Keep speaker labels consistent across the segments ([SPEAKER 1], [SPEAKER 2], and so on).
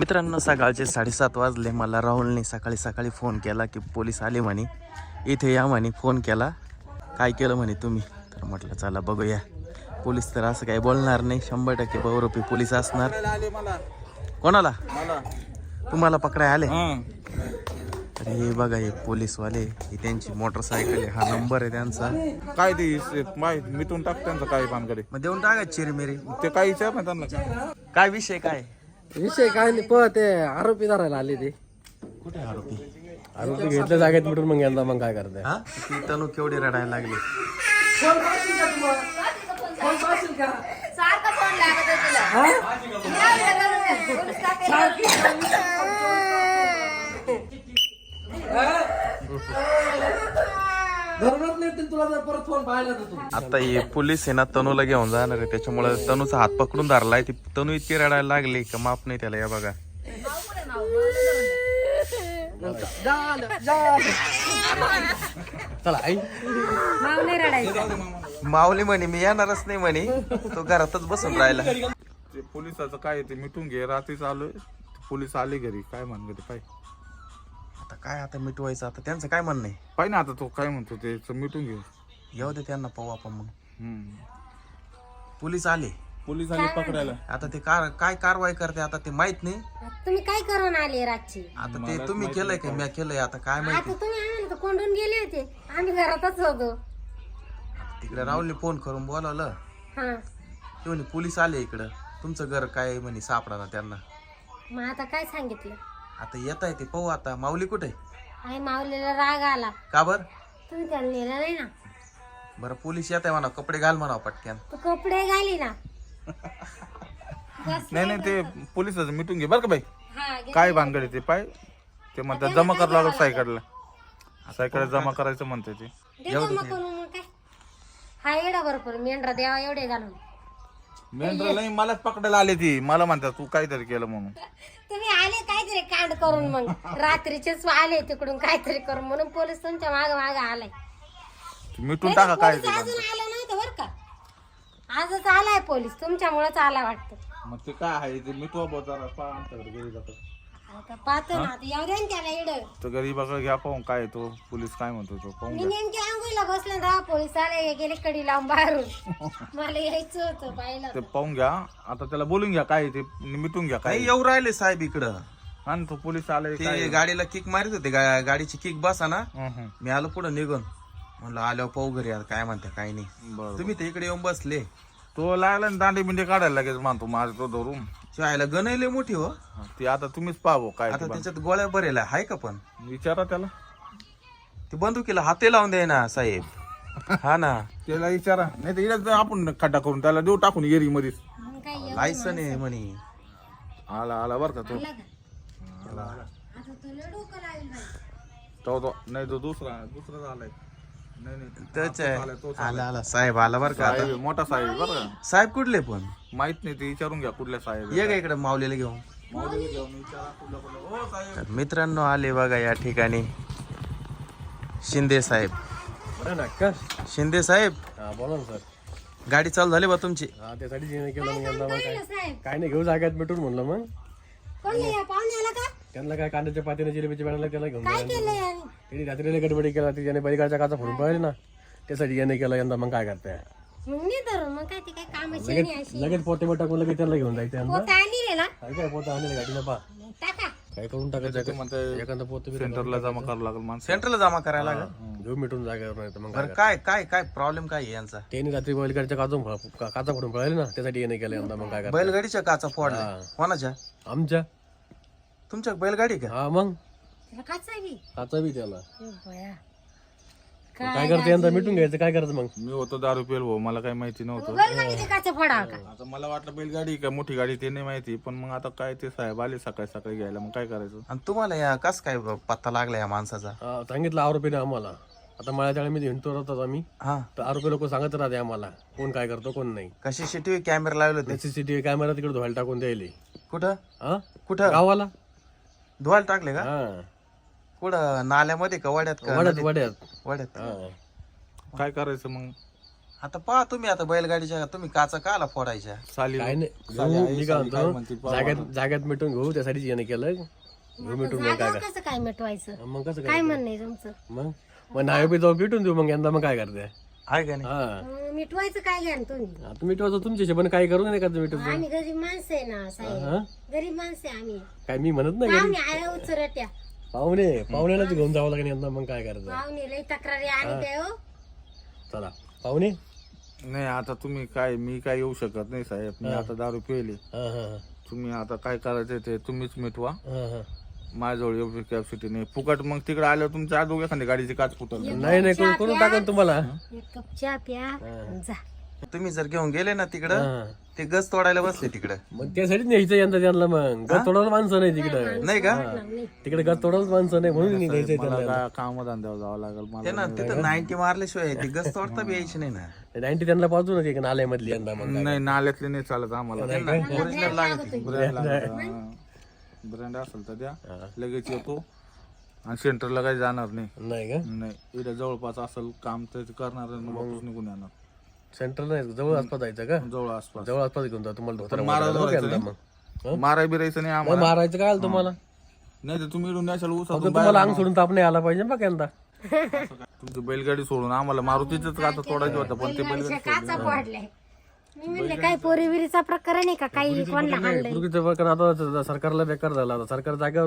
[SPEAKER 1] मित्रांनो सकाळचे 7:30 वाजले. मला राहुलने सकाळी फोन केला की पोलीस आले म्हणे, इथे या म्हणे. फोन केला, काय केलं म्हणे तुम्ही? तर म्हटलं चला बघूया. पोलीस तर असं काही बोलणार नाही, 100% बहुरूपी पोलीस असणार. कोणाला? तुम्हाला पकडाय आले? तर हे बघा, हे पोलीसवाले, ही त्यांची मोटरसायकल आहे, हा नंबर आहे त्यांचा.
[SPEAKER 2] काय ते मिटून टाक त्यांचं काय पानकडे
[SPEAKER 1] मग देऊन टाका चिरमिरी.
[SPEAKER 2] ते काय विचार ना त्यांना.
[SPEAKER 1] काय विषय काय?
[SPEAKER 3] विषय काय नाही, ते आरोपी धरायला आले. ते
[SPEAKER 1] कुठे आरोपी?
[SPEAKER 3] आरोपी घेतल्या जागेत मिटून मग यंदा मग काय करताय?
[SPEAKER 1] हा, ती तनू केवढी रडायला लागली.
[SPEAKER 3] तुला जर परत फोन पाहिला तर तू
[SPEAKER 1] आता हे पोलीस आहे ना, तनूला घेऊन जाणार आहे, त्याच्यामुळे तनूचा हात पकडून धरलाय. ती तनू इतकी रडायला लागली का माफ नाही त्याला. या बघा,
[SPEAKER 3] चला आई
[SPEAKER 1] माऊली म्हणे मी येणारच नाही म्हणे, तो घरातच बसून राहिला.
[SPEAKER 2] ते पोलिसाचं काय ते मिटून घे. रात्री आलोय, पोलीस आले घरी. काय म्हणते पाय
[SPEAKER 1] आता काय, आता मिटवायचं. आता त्यांचं काय म्हणणं आहे?
[SPEAKER 2] पाय ना आता तो काय म्हणतो ते मिटून घे.
[SPEAKER 1] येऊ दे त्यांना, पाहू आपण मग.
[SPEAKER 2] हम्म.
[SPEAKER 1] पोलीस आले,
[SPEAKER 2] पोलीस आले पकडायला.
[SPEAKER 1] आता ते काय कारवाई करते आता ते माहित नाही.
[SPEAKER 4] तुम्ही काय करून आले रातची?
[SPEAKER 1] आता ते तुम्ही केलंय का मी केलंय, आता काय माहिती.
[SPEAKER 4] आता तुम्ही आम्हाला तर कोंडून गेले होते, आम्ही घरातच होतो.
[SPEAKER 1] तिकडे राहुलने फोन करून बोलावलं,
[SPEAKER 4] हा,
[SPEAKER 1] ते म्हणे पोलीस आले इकडं, तुमचं घर काय म्हणे सापडा त्यांना.
[SPEAKER 4] मग आता काय सांगितलं?
[SPEAKER 1] आता येत आहे ते, पाहू. आता माऊली कुठे?
[SPEAKER 4] आई माऊलीला राग आला,
[SPEAKER 1] का बर?
[SPEAKER 4] तुम्ही त्याला नेलं नाही ना.
[SPEAKER 1] बरं पोलीस येत आहे म्हणा, कपडे घाल म्हणा पटक्यान.
[SPEAKER 4] तू कपडे घाली ना.
[SPEAKER 2] नाही ते पोलिसाचं मिटून घे बरं का बाई.
[SPEAKER 4] हा, घे.
[SPEAKER 2] काय भानगड ते पाय ते म्हणतात जमा करावं लागलं सायकडला जमा करायचं म्हणते ते.
[SPEAKER 4] देतो मग करून मग काय. हा येडा बरोबर मेंढरा द्यावा एवढे घालून.
[SPEAKER 2] मेंढराला मलाच पकडायला आले ती. मला म्हणतात तू काहीतरी केलं म्हणून.
[SPEAKER 4] तुम्ही आले काहीतरी कांड करून, मग रात्रीचेच आले तिकडून काहीतरी करून, म्हणून पोलीस तुमच्या माग आलाय.
[SPEAKER 2] मिटून टाका काय
[SPEAKER 4] पोलीस अजून आलं नव्हतं बरं का, आजच आलाय पोलीस, तुमच्यामुळेच आला वाटतं.
[SPEAKER 2] मग ते काय आहे ते मिटवा बोचारा पा आमच्याकडे घरी जातात.
[SPEAKER 4] आता पाहतो ना, आता येऊ दे ना त्याला इड.
[SPEAKER 2] तर गरीबाकडे घ्या पाहून काय तो पोलीस काय म्हणतो तो पाहून
[SPEAKER 4] मी
[SPEAKER 2] घ्या.
[SPEAKER 4] नेमकी आंघोळीला बसले ना, पोलीस आले, गेले कडी लावून बाहेरून. मला यायचं होतं पाहिलं.
[SPEAKER 2] ते पाहून घ्या. आता त्याला बोलून घ्या काय ते मिटून घ्या काय.
[SPEAKER 1] नाही येऊ राहिले साहेब इकडं.
[SPEAKER 2] आणि तो पोलीस आले
[SPEAKER 1] ते गाडीला किक मारित होते, गाडीची किक बसा ना. मी आलो पुढे निघून, म्हणलं आल्यावर पाहू घरी आता काय म्हणते काय नाही.
[SPEAKER 2] बरं
[SPEAKER 1] तुम्ही ते इकडे येऊन बसले.
[SPEAKER 2] तो लागला ना दांडे बिंडे काढायला लागेल मानतो माझ तो धरून.
[SPEAKER 1] शाळेला गणले मोठी हो.
[SPEAKER 2] ती आता तुम्हीच पाहावं काय
[SPEAKER 1] आता
[SPEAKER 2] ते
[SPEAKER 1] त्याच्यात गोळ्या बरेला आहे का? पण
[SPEAKER 2] विचारा त्याला.
[SPEAKER 1] ती बंदुकीला हाते लावून द्याय ना साहेब. हा ना,
[SPEAKER 2] त्याला विचारा. नाही तर इकडे आपण खड्डा करून त्याला देऊ टाकून एरी मध्येच.
[SPEAKER 4] मग काय येऊ
[SPEAKER 1] लायसन आहे म्हणे.
[SPEAKER 2] आला बरं का तो.
[SPEAKER 4] आला का? आता तुला डोकं लागेल बाई.
[SPEAKER 2] तो नाही तो दुसरा आलाय. नाही
[SPEAKER 1] त्याच
[SPEAKER 2] तो आलाय, तोच आलाय.
[SPEAKER 1] आला साहेब आला बरं का.
[SPEAKER 2] साहेब
[SPEAKER 1] आता
[SPEAKER 2] आहे, मोठा साहेब आहे बरं का.
[SPEAKER 1] साहेब कुठले पण
[SPEAKER 2] माहित नाही ते विचारून घ्या कुठल्या साहेब आहे.
[SPEAKER 1] ये का इकडे माऊलीला घेऊन.
[SPEAKER 2] माऊलीला घेऊन विचारा कुठल्या. हो साहेब.
[SPEAKER 1] तर मित्रांनो आले बघा या ठिकाणी शिंदे साहेब. शिंदे साहेब,
[SPEAKER 3] हा बोला ना सर.
[SPEAKER 1] गाडी चालू झाली बा तुमची?
[SPEAKER 3] हा त्यासाठी जेणे केलं मग यंदा मग काय
[SPEAKER 4] पाहिलं साहेब,
[SPEAKER 3] काय नाही, घेऊ जागेत मिटून म्हणलं. मग
[SPEAKER 4] कोण या पाहुण्याला का
[SPEAKER 3] त्यांना काय कांद्याच्या पातीने जिलेबीच्या पाण्याला त्याला घेऊन
[SPEAKER 4] काय
[SPEAKER 3] जायला.
[SPEAKER 4] केलं याने?
[SPEAKER 3] त्यांनी रात्रीला गडबडी केला, त्याने बैलगाडच्या काचा फोडून पळाली ना, त्यासाठी याने केलं. यंदा मग काय करताय,
[SPEAKER 4] मग नाही धरून, मग काय ती काय कामाची नाही अशी.
[SPEAKER 3] लगेच पोते टाकून लगेच त्यांना घेऊन जायचं. यंदा
[SPEAKER 4] पोता आली रे ना,
[SPEAKER 3] काय पोतं आणले गाडीला पा
[SPEAKER 4] टाका.
[SPEAKER 3] काय करून टाकायचं
[SPEAKER 2] म्हणते
[SPEAKER 3] एखादं पोतं
[SPEAKER 2] सेंटरला जमा करावं लागेल माणसं.
[SPEAKER 1] सेंटरला जमा करायला लागेल.
[SPEAKER 3] घेऊ मिटून जागेवर. नाही तर मग
[SPEAKER 1] बरं काय काय काय प्रॉब्लेम काय आहे यांचा?
[SPEAKER 3] त्यांनी रात्री बैलगाडच्या काचा फोडून पळाली ना, त्यासाठी याने केलं. यंदा मग काय करताय.
[SPEAKER 1] बैलगाडीच्या काचा फोडल्या कोणाच्या?
[SPEAKER 3] आमच्या
[SPEAKER 1] तुमच्या बैलगाडी का?
[SPEAKER 3] हा मग
[SPEAKER 4] त्याला काचा बी.
[SPEAKER 3] काचा बी त्याला.
[SPEAKER 4] ए बया.
[SPEAKER 3] काय करते यंदा मिटून घ्यायचं. काय करायचं मग?
[SPEAKER 2] मी होतो दारू पेल भाऊ, मला काही माहिती नव्हतं.
[SPEAKER 4] बैलगाडीचे काचा फोडा का?
[SPEAKER 2] आता मला वाटलं बैलगाडी का मोठी गाडी ते नाही माहिती. पण मग आता काय ते साहेब आले सकाळी घ्यायला. मग काय करायचं.
[SPEAKER 1] आणि तुम्हाला या कस काय पत्ता लागला या माणसाचा?
[SPEAKER 3] हा, सांगितलं आरोपीने आम्हाला. आता मळ्याच्या वेळेमध्ये हिंडतो राहतात आम्ही,
[SPEAKER 1] हा,
[SPEAKER 3] तर आरोपी लोक सांगत राहते आम्हाला कोण काय करतो कोण नाही.
[SPEAKER 1] कशी सीसीटीव्ही कॅमेरा लावले होते?
[SPEAKER 3] सीसीटीव्ही कॅमेरा तिकडे धुवायला टाकून द्यायले.
[SPEAKER 1] कुठं
[SPEAKER 3] हा
[SPEAKER 1] कुठं
[SPEAKER 3] गावाला.
[SPEAKER 1] धुवायला टाकले का?
[SPEAKER 3] हा
[SPEAKER 1] कुठं नाल्यामध्ये का वड्यात का?
[SPEAKER 3] वड्यात वड्यात.
[SPEAKER 1] वड्यात.
[SPEAKER 3] हा
[SPEAKER 2] काय करायचं मग.
[SPEAKER 1] आता पहा तुम्ही आता बैलगाडीच्या तुम्ही काचा काला फोडायच्या
[SPEAKER 2] साली
[SPEAKER 3] काय नाही
[SPEAKER 2] साली
[SPEAKER 3] घेऊ,
[SPEAKER 2] आई,
[SPEAKER 3] मी काय
[SPEAKER 2] साली काय
[SPEAKER 3] म्हणतो
[SPEAKER 2] म्हणते, पाहा
[SPEAKER 3] जाग्यात मिटून घेऊ त्यासाठीच याने केलं घेऊ मिटून मग काय
[SPEAKER 4] जागेवर कसं काय मिटवायचं
[SPEAKER 3] मग कसं
[SPEAKER 4] काय
[SPEAKER 3] काय
[SPEAKER 4] म्हणणं आहे तुमचं
[SPEAKER 3] मग नाही बी जाऊन भेटून देऊ मग यंदा मग काय करते
[SPEAKER 1] आहे का नाही
[SPEAKER 3] हा
[SPEAKER 4] मिटवायचं काय घ्या तुम्ही
[SPEAKER 3] आता मिटवायचं तुमच्याशी पण काही करू नाही का मिटवतो
[SPEAKER 4] आम्ही गरीब माणसं आहे ना साहेब गरीब माणसं आहे आम्ही
[SPEAKER 3] काय मी म्हणत नाही
[SPEAKER 4] पाहुणे आया उचरट्या
[SPEAKER 3] पाहुण्यालाच घेऊन जावं लागेल यंदा मग काय करायचं
[SPEAKER 4] पाहुणे लई तक्रारी आणि काय हो
[SPEAKER 3] चला पाहुणे
[SPEAKER 2] नाही आता तुम्ही काय मी काय येऊ शकत नाही साहेब मी आता दारू पिली
[SPEAKER 3] हा हा
[SPEAKER 2] तुम्ही आता काय करायचं ते तुम्हीच मिटवा
[SPEAKER 3] हा हा
[SPEAKER 2] माझ्याजवळ एवढी कॅपॅसिटी नाही फुकट मग तिकडे आल्यावर तुमच्या आजोग एखादी गाडीची काच फुटल
[SPEAKER 3] नाही करून टाकन तुम्हाला
[SPEAKER 4] एक कप चहा प्या आणि जा
[SPEAKER 1] तुम्ही जर घेऊन गेले ना तिकडं
[SPEAKER 3] हा.
[SPEAKER 1] ते गज तोडायला बसले तिकडं
[SPEAKER 3] मग त्यासाठीच न्यायचं यंदा त्यांना मग गज तोडायला माणसं नाही तिकडं
[SPEAKER 1] नाही का
[SPEAKER 3] तिकडे गज तोडायला माणसं नाही म्हणून न्यायचंय
[SPEAKER 2] मला
[SPEAKER 3] त्यांना
[SPEAKER 2] काय कामधंद्यावर जावं लागेल
[SPEAKER 1] ते
[SPEAKER 2] मला
[SPEAKER 1] ना तिथं 90 मारल्याशिवाय ते गज तोडता बी यायची नाही ना
[SPEAKER 3] 90 त्यांना पाहतो ना नाल्यामधली यंदा मग
[SPEAKER 2] नाही नाल्यातले नाही चालत आम्हाला
[SPEAKER 1] ओरिजिनल लागत
[SPEAKER 2] ब्रँड असेल तर द्या लगेच येतो आणि सेंटरला काही जाणार नाही
[SPEAKER 3] नाही का
[SPEAKER 2] नाही इथे जवळपास असेल काम तर करणार आणि मग वापस निघून येणार
[SPEAKER 3] सेंटर नाही जवळ आसपास जायचं का
[SPEAKER 2] जवळ आसपास
[SPEAKER 3] जवळ आसपास घेऊन जा तुम्हाला धोतर
[SPEAKER 2] मारा माराय बिरायचं नाही आम्हाला
[SPEAKER 3] मारायचं काय आलं तुम्हाला
[SPEAKER 2] नाही तर तुम्ही इडून द्याल
[SPEAKER 3] फक्त तुम्हाला अंग सोडून ताप नाही आला पाहिजे बघ यंदा
[SPEAKER 2] तुमची बैलगाडी सोडून आम्हाला मारुतीच आता तोडायचं होतं पण ते बैलगाडी
[SPEAKER 4] काचा पडलाय मी म्हणले काय पोरीविरीचा प्रकार नाही का काही कोणला हाणलंय
[SPEAKER 3] पूर्वीचं प्रकरण आता सरकारला बेकार झाला आता सरकार जागेवर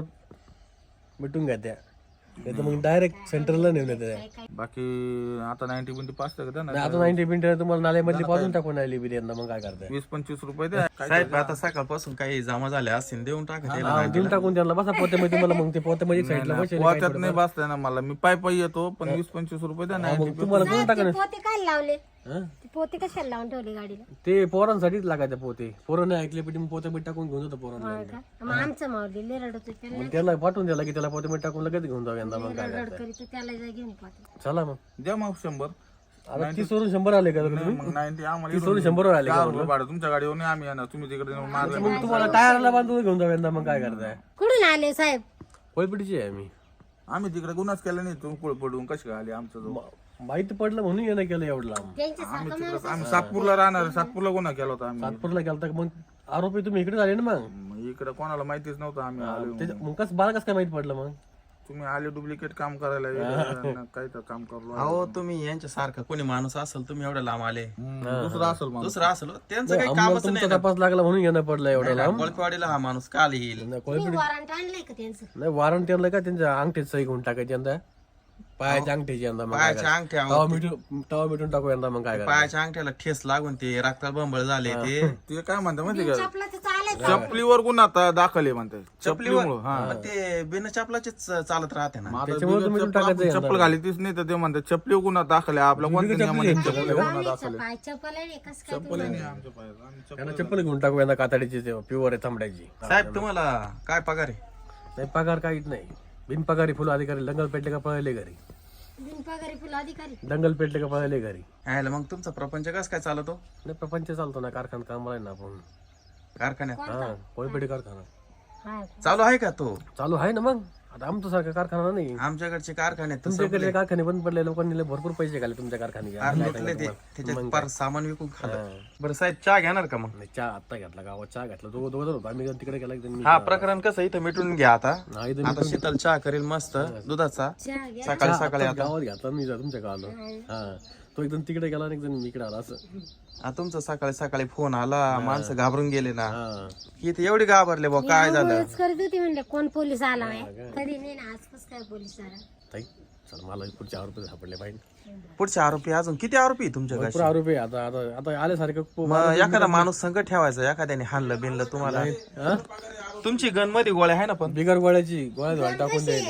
[SPEAKER 3] मिटून घ्या त्या नाही तर मग डायरेक्ट सेंटरला नेऊन येते
[SPEAKER 2] बाकी आता 90 बिंटी पाच का ना
[SPEAKER 3] आता 90 मिनिटं तुम्हाला नाल्यामधली पाजून टाकून आली बिर्याणी मग काय करताय
[SPEAKER 2] 20-25 रुपये द्या
[SPEAKER 1] साहेब आता सकाळपासून काही जमा झाले असतील देऊन टाका त्याला.
[SPEAKER 3] देऊन टाकून त्यांना बसा पोत्यामध्ये तुम्हाला मग ते पोत्यामध्ये साईडला बसेल
[SPEAKER 2] पोत्यात नाही बसताय ना मला मी पायी येतो पण 20-25 रुपये द्या ना
[SPEAKER 3] मग तुम्हाला देऊन टाका
[SPEAKER 4] ते पोते काय लावले
[SPEAKER 3] हं?
[SPEAKER 4] ते पोते कशाला लावून ठेवले गाडीला
[SPEAKER 3] ते पोरांसाठीच लागायचे पोते पोरं नाही ऐकले पण पोत्यामध्ये टाकून घेऊन जातो पोरांना
[SPEAKER 4] होय का? मग आमचं मावली लय रडत होते
[SPEAKER 3] मग त्याला पाठवून द्याला की त्याला पोत्यामध्ये टाकून लगेच घेऊन जाऊ यंदा मग काय
[SPEAKER 4] रड करीत त्याला जा घेऊन पोते
[SPEAKER 3] चला मग
[SPEAKER 2] द्या मग 100
[SPEAKER 3] आता 30 वरून 100 आले का तुम्ही
[SPEAKER 2] मग 90 आम्हाला
[SPEAKER 3] 30 वरून 100 वर आले का
[SPEAKER 2] 4 रुपये भाडं तुमच्या गाडीवर नाही आम्ही येणार तुम्ही तिकडे नेऊन मारलं
[SPEAKER 3] मग तुम्हाला टायरला बांधून घेऊन जाऊ यंदा मग काय करताय
[SPEAKER 4] कुठून आले साहेब
[SPEAKER 3] कोळपिटीची आहे मी
[SPEAKER 2] आम्ही तिकडे गुन्हाच केला नाही तुम्ही कुळ पडून कशी आली आमचं जवळ
[SPEAKER 3] माहिती पडलं म्हणून येणं केलं एवढं लांब
[SPEAKER 4] त्यांच्यासारखं माणूस
[SPEAKER 2] आम्ही सातपूरला राहणार सातपूरला गुन्हा केला होता आम्ही
[SPEAKER 3] नागपूरला गेलता मग आरोपी तुम्ही इकडे आले ना मग
[SPEAKER 2] मग इकडे कोणाला माहितीच नव्हतं आम्ही आलो
[SPEAKER 3] मग कसं बाळ कसं काय माहिती पडलं मग
[SPEAKER 2] तुम्ही आले डुप्लिकेट काम करायला वेगळं, काही तर काम करलो
[SPEAKER 1] अहो तुम्ही यांच्या सारखा कोणी माणूस असेल तुम्ही एवढं लांब आले
[SPEAKER 2] दुसरं असेल मग
[SPEAKER 1] दुसरं असेल त्यांचं काही
[SPEAKER 3] आम्हाला
[SPEAKER 1] कामच
[SPEAKER 3] तुमचा तपास लागला म्हणून येणं पडलं एवढं लांब
[SPEAKER 1] कोळपेवाडीला हा माणूस काल येईल
[SPEAKER 4] तुम्ही वॉरंट आणलंय का त्यांचं
[SPEAKER 3] नाही वॉरंट आणलं का त्यांच्या अंगठीत सही घेऊन टाकायची यंदा पायाच्या अंगठीची यंदा मग काय
[SPEAKER 1] पायाच्या अंगठ्या
[SPEAKER 3] तवा मिटून टाकू यंदा मग काय
[SPEAKER 1] पायाच्या अंगठ्याला ठेस लागून ते रक्ताळ बंबळ झाले ते
[SPEAKER 2] ते काय म्हणतात माहिती का
[SPEAKER 4] चपला तर चालायचं
[SPEAKER 2] चपलीवर गुन्हा आता दाखल आहे म्हणतात
[SPEAKER 1] चपलीवर
[SPEAKER 2] चपलीमुळं, हा
[SPEAKER 1] मग ते बिना चपलाचेच चालत राहते ना
[SPEAKER 2] मग आता
[SPEAKER 3] त्याच्यामुळे तुम्ही
[SPEAKER 2] बिगर
[SPEAKER 3] टाकायचं
[SPEAKER 2] चप्पल- चप्पल घाली तीच नाही तर ते म्हणतात चपली गुन्हा दाखल आहे आपल्या कोणत्या नियमाने चपली गुन्हा दाखल आहे
[SPEAKER 4] पाय चपल आहे कसं काय
[SPEAKER 2] चप्पल नाही आमच्या पायात आम्ही चप्पल-
[SPEAKER 3] त्यांना चप्पल घेऊन टाकू यंदा कातडीची प्युअर आहे थांबडायची
[SPEAKER 1] साहेब तुम्हाला काय पगार आहे
[SPEAKER 3] नाही पगार काहीच नाही बिनपगारी फुल अधिकारी दंगल पेटले का पळले घरी
[SPEAKER 4] बिनपगारी फुल अधिकारी
[SPEAKER 3] दंगल पेटले का पळले घरी
[SPEAKER 1] यायला मग तुमचा प्रपंच कसं काय चालतो
[SPEAKER 3] नाही प्रपंच चालतो ना कारखाना कामाला आहे ना आपण
[SPEAKER 1] कारखान्यात
[SPEAKER 3] हा कोळपेटी कारखाना
[SPEAKER 4] हा
[SPEAKER 1] चालू आहे का तो
[SPEAKER 3] चालू आहे ना मग आता आमचं सारखा कारखाना नाही
[SPEAKER 1] आमच्याकडचे कारखान्यात तर
[SPEAKER 3] तुमच्याकडे कारखाने बंद पडले लोकांनी लय भरपूर पैसे घाले तुमच्या कारखान्याचे
[SPEAKER 1] ते त्याच्यात फार सामान विकून खाल्लं बरं साहेब चहा घेणार का मग
[SPEAKER 3] नाही चहा आत्ता घेतला गावात चहा घेतला दोघं होतो आम्ही तिकडे गेला की
[SPEAKER 1] हा प्रकरण कसं इथं मिटून घ्या आता
[SPEAKER 3] नाही तर
[SPEAKER 1] आता शीतल चहा करेल मस्त दुधाचा
[SPEAKER 4] चहा घ्या
[SPEAKER 1] सकाळी सकाळी आता
[SPEAKER 3] गावात घेतला मी तुमच्या गावाला हा तो एकदम तिकडे गेला आणि एकदम इकडे आला असं
[SPEAKER 1] तुमचा सकाळी सकाळी फोन आला माणसं घाबरून गेले ना
[SPEAKER 3] हा
[SPEAKER 1] इथे एवढे घाबरले बा काय झालं
[SPEAKER 4] आंघोळच करत होती म्हणले कोण पोलीस आला आहे कधी नाही ना आजपास काय पोलीस आला
[SPEAKER 3] ताई चल मला पुढचे आरोपी सापडले पाहिजे
[SPEAKER 1] पुढचे आरोपी अजून किती आरोपी आहे तुमच्याकडे
[SPEAKER 3] भरपूर आरोपी आहे. आता आता आता आल्यासारखं
[SPEAKER 1] मग एखादा माणूस संकट ठेवायचा एखाद्याने हाणलं बिनलं तुम्हाला
[SPEAKER 3] हा?
[SPEAKER 1] तुमची गन मध्ये गोळ्या आहे ना पण
[SPEAKER 3] बिगर गोळ्याची गोळ्यात व्हायला टाकून द्यायची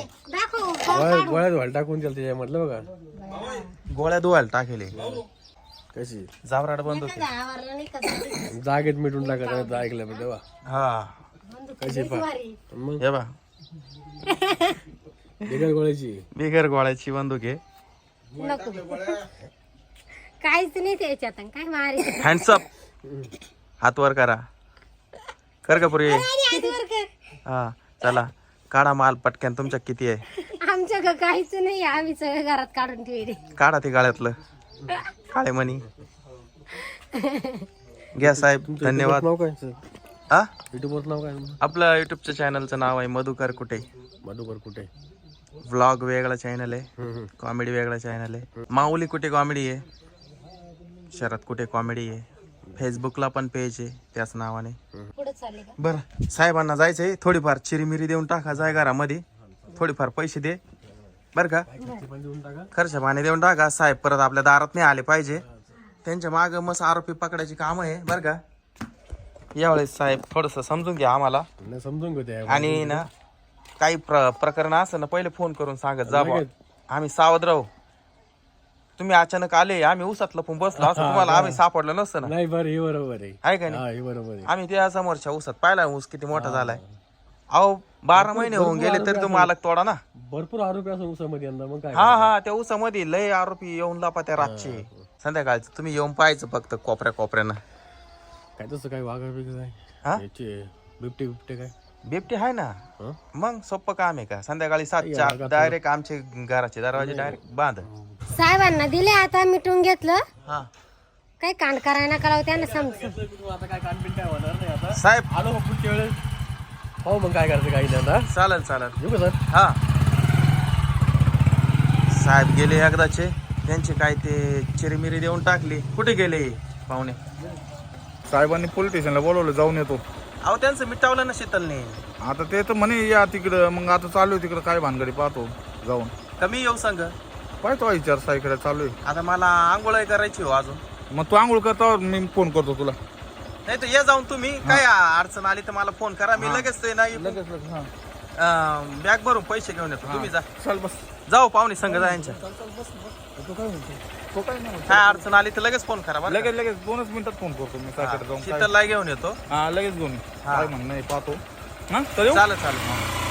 [SPEAKER 4] दाखव
[SPEAKER 3] गोळ्यात व्हायला टाकून द्यायला त्याच्या म्हटलं बघा
[SPEAKER 1] गोळ्या धुवायला टाकेले
[SPEAKER 3] कशी
[SPEAKER 1] जावराड बंद होते
[SPEAKER 4] आवरला नाही का
[SPEAKER 3] जागेत मिटून टाकत ऐकलं पण तेव्हा
[SPEAKER 1] हा
[SPEAKER 3] कशी मग
[SPEAKER 1] हे बा
[SPEAKER 3] बिगर गोळ्याची
[SPEAKER 1] बिगर गोळ्याची बंदूक आहे
[SPEAKER 4] नको काहीच नाही त्याच्यात काय मारी
[SPEAKER 1] हँडसअप हात वर करा कर का पुरी हा चला काढा माल पटक्यान तुमच्या किती आहे
[SPEAKER 4] आमच्या काहीच नाही आम्ही सगळं घरात काढून ठेवले
[SPEAKER 1] काढा ते गाळ्यातलं काळे मणी घ्या साहेब, धन्यवाद.
[SPEAKER 3] नाव काय सर?
[SPEAKER 1] हा,
[SPEAKER 3] युट्यूबवरचं नाव काय
[SPEAKER 1] आपलं युट्यूबच्या चॅनलचं नाव आहे मधुकर कुठे.
[SPEAKER 3] मधुकर कुठे?
[SPEAKER 1] व्लॉग वेगळा चॅनल आहे, कॉमेडी वेगळा चॅनल आहे. माऊली कुठे कॉमेडी आहे, शरद कुठे कॉमेडी आहे. फेसबुकला पण पेज आहे त्याच नावाने.
[SPEAKER 4] पुढे चालले का?
[SPEAKER 1] बरं, साहेबांना जायचंय, थोडीफार चिरीमिरी देऊन टाका, जाय घरामध्ये थोडीफार पैसे दे बरं का,
[SPEAKER 3] देऊन टाका.
[SPEAKER 1] खर्च पाणी देऊन टाका. साहेब परत आपल्या दारात नाही आले पाहिजे. त्यांच्या मागं मस्त आरोपी पकडायची काम आहे बरं का. यावेळेस साहेब थोडंसं समजून घ्या आम्हाला,
[SPEAKER 3] नाही समजून घेते.
[SPEAKER 1] आणि ना काही प्रकरण असं ना पहिले फोन करून सांगत जा बुवा. आम्ही सावध राहू. तुम्ही अचानक आले, आम्ही उसात लपून बसलो असं तुम्हाला आम्ही सापडलं नसतं ना,
[SPEAKER 3] नाही बरं, हे बरोबर आहे.
[SPEAKER 1] आहे का नाही.
[SPEAKER 3] हा, हे बरोबर आहे.
[SPEAKER 1] आम्ही त्या समोरच्या ऊसात पाहिला ऊस किती मोठा झालाय. अहो 12 महिने होऊन गेले तरी तो मालक तोडा ना.
[SPEAKER 3] भरपूर आरोपी असं उसामध्ये यंदा, मग काय
[SPEAKER 1] हा, त्या ऊसामध्ये लय आरोपी येऊन लापा त्या रातचे संध्याकाळचं. तुम्ही येऊन पाहायचं फक्त कोपऱ्यानं.
[SPEAKER 3] काय तसं काय वाघा
[SPEAKER 1] हा?
[SPEAKER 3] याचे बिबटे काय?
[SPEAKER 1] बिबटे आहे ना,
[SPEAKER 3] हं?
[SPEAKER 1] मग सोपं काम आहे का. संध्याकाळी 7च्या डायरेक्ट आमचे घराचे दरवाजे डायरेक्ट बांध.
[SPEAKER 4] साहेबांना दिले, आता मिटून घेतलं.
[SPEAKER 1] हा
[SPEAKER 4] काही कांड करायला कळावं त्यांना समजून.
[SPEAKER 3] आता काय कानपिन काय होणार नाही. आता
[SPEAKER 1] साहेब
[SPEAKER 3] आलो मग पुढच्या वेळेस हो, मग काय करायचं काही नाही. आता
[SPEAKER 1] चालेल.
[SPEAKER 3] येऊ का सर?
[SPEAKER 1] हा, साहेब गेले एकदाचे, त्यांचे काय ते चिरीमिरी देऊन टाकली. कुठे गेले पाहुणे?
[SPEAKER 2] साहेबांनी पोलीस स्टेशनला बोलवलं, जाऊन येतो.
[SPEAKER 1] अहो त्यांचं मिटावलं ना शीतलने.
[SPEAKER 2] आता ते तर म्हणे या तिकडं, मग आता चालू आहे तिकडं काय भानगडी पाहतो जाऊन.
[SPEAKER 1] कमी येऊ सांग.
[SPEAKER 2] पाहतो विचार साईकडे चालू आहे.
[SPEAKER 1] आता मला आंघोळ करायची हो अजून.
[SPEAKER 2] मग तू आंघोळ करता, मी फोन करतो तुला.
[SPEAKER 1] नाही तर ये जाऊन तुम्ही, काय अडचण आली तर मला फोन करा, मी लगेच ते नाही
[SPEAKER 2] लगेच हा.
[SPEAKER 1] बॅग भरून पैसे घेऊन येतो. तुम्ही जा,
[SPEAKER 2] चल बस.
[SPEAKER 1] जाऊ पाहुणे संघ जायच्या.
[SPEAKER 2] तो काय म्हणतो? तो काय नाही म्हणतो.
[SPEAKER 1] काय अडचण आली तर लगेच फोन करा बरं का?
[SPEAKER 2] लगेच 2च मिनिटात फोन करतो मी साईकडे जाऊन.
[SPEAKER 1] शीतलला घेऊन येतो.
[SPEAKER 2] हा लगेच घेऊन ये. काय म्हणणं आहे पाहतो. हा तर येऊ?
[SPEAKER 1] चालेल.